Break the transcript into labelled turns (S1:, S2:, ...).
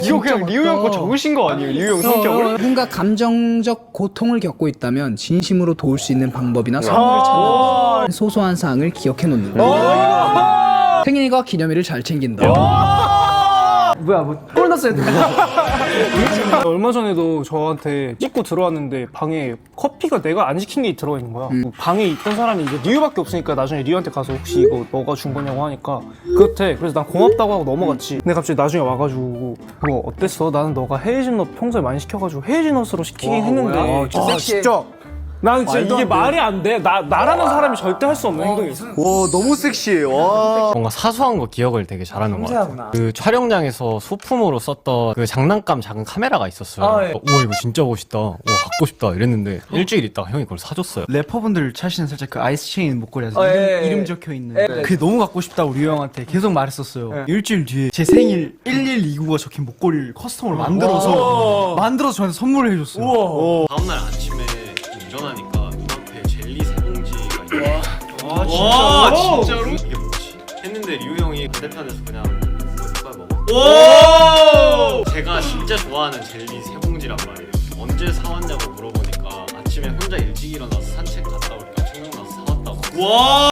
S1: 이거 그냥 리우 형 거 적으신 거 아니에요? 리우 형 성격을?
S2: 누군가 감정적 고통을 겪고 있다면 진심으로 도울 수 있는 방법이나 선물을 찾는 소소한 사항을 기억해 놓는다. 생일과 기념일을 잘 챙긴다.
S3: 뭐야 꼴 났어야 돼. 얼마 전에도 저한테 찍고 들어왔는데 방에 커피가 내가 안 시킨 게 들어가 있는 거야. 방에 있던 사람이 이제 리우밖에 없으니까 나중에 리우한테 가서 혹시 이거 너가 준 거냐고 하니까 그렇대. 그래서 난 고맙다고 하고 넘어갔지. 근데 갑자기 나중에 와가지고 그거 어땠어? 나는 너가 헤이즐넛 평소에 많이 시켜가지고 헤이즐넛으로 시키긴 했는데
S1: 진짜.
S3: 나는 진짜 이게 말이 안 돼. 나라는 사람이 절대 할 수 없는 행동이었어.
S1: 와 너무 섹시해. 와.
S4: 뭔가 사소한 거 기억을 되게 잘하는 것 같아요. 그 촬영장에서 소품으로 썼던 그 장난감 작은 카메라가 있었어요. 우와 이거 진짜 멋있다. 우와 갖고 싶다 이랬는데 일주일 있다가 형이 그걸 사줬어요.
S5: 래퍼분들 차시는 살짝 그 아이스 체인 목걸이에서 이름 적혀 있는 그게 너무 갖고 싶다고 류 형한테 계속 말했었어요. 일주일 뒤에 제 생일 1129가 적힌 목걸이를 커스텀으로 만들어서 저한테 선물을 해줬어요.
S4: 다음날 아침에 일어나니까 눈앞에 젤리 세 봉지가 있어요.
S1: 와 진짜로?
S4: 이게 뭐지? 했는데 리우 형이 반대편에서 그냥 이빨 먹어. 제가 진짜 좋아하는 젤리 세 봉지란 말이에요. 언제 사왔냐고 물어보니까 아침에 혼자 일찍 일어나서 산책 갔다 오니까 생각나서 사왔다고.